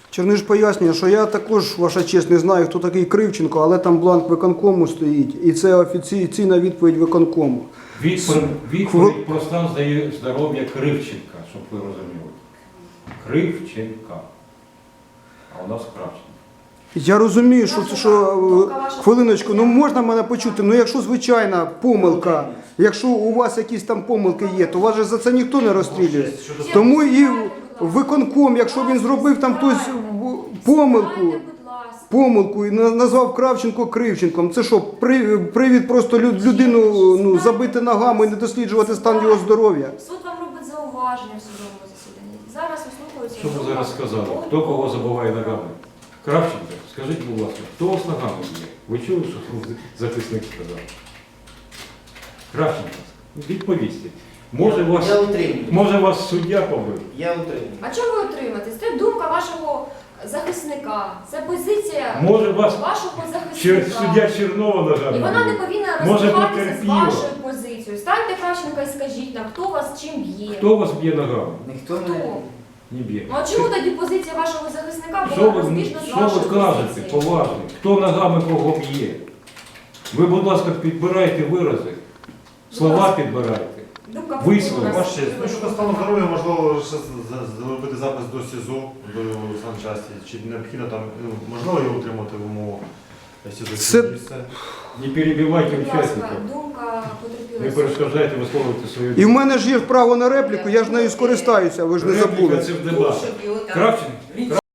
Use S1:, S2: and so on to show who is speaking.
S1: Черниш пояснює, що я також, ваша честь, не знаю, хто такий Кривченко, але там бланк виконкому стоїть, і це офіційна відповідь виконкому.
S2: Відповідь про стан здоров'я Кривченка, щоб ви розуміли. Кривченка. А у нас Кравченко.
S1: Я розумію, хвилиночку, ну можна мене почути, ну якщо звичайна помилка, якщо у вас якісь там помилки є, то вас же за це ніхто не розстрілює. Тому і виконком, якщо він зробив там хтось помилку і назвав Кравченко Кривченком, це що, привід просто людину забити ногами і не досліджувати стан його здоров'я?
S3: Суд вам робить зауваження в судовому засіданні. Зараз вислуховується.
S2: Що ви зараз сказали? Хто кого забиває ногами? Кравченко, скажіть, будь ласка, хто у вас ногами є? Ви чули, що захисник сказав? Кравченко, відповісти. Може вас суддя побив?
S4: Я утримую.
S3: А чому ви утримаєтесь? Це думка вашого захисника. Це позиція
S2: Може вас
S3: вашого захисника.
S2: суддя Чернова ногами?
S3: І вона не повинна
S2: Може,
S3: розбиватися з
S2: потерпіла.
S3: вашою позицією. Станьте Кравченка і скажіть нам, хто вас чим б'є.
S2: Хто вас б'є ногами?
S4: Ніхто
S3: Хто?
S2: Не б'є.
S3: Ну а чому тоді позиція вашого захисника
S2: Що
S3: була
S2: ви,
S3: розбіжна з
S2: що
S3: вашою
S2: ви кажете,
S3: позицією?
S2: поважно? Хто ногами кого б'є? Ви, будь ласка, підбирайте вирази, слова підбирайте.
S3: Думка
S2: Вислови.
S3: повинна
S5: Ваше честь, ну щодо стану здоров'я, можливо, ще зробити запис до СІЗО, до санчасті, чи необхідно там, можливо його утримати в умовах СІЗО?
S1: Це-
S2: Не перебивайте
S3: Будь ласка,
S2: учасників.
S3: думка
S2: Не
S3: потерпілої.
S2: перешкоджайте висловлювати свою
S1: І в мене ж є право на репліку, я ж нею скористаюся, ви ж не
S2: Репліка
S1: забули.
S2: це в дебатах. Кравченко?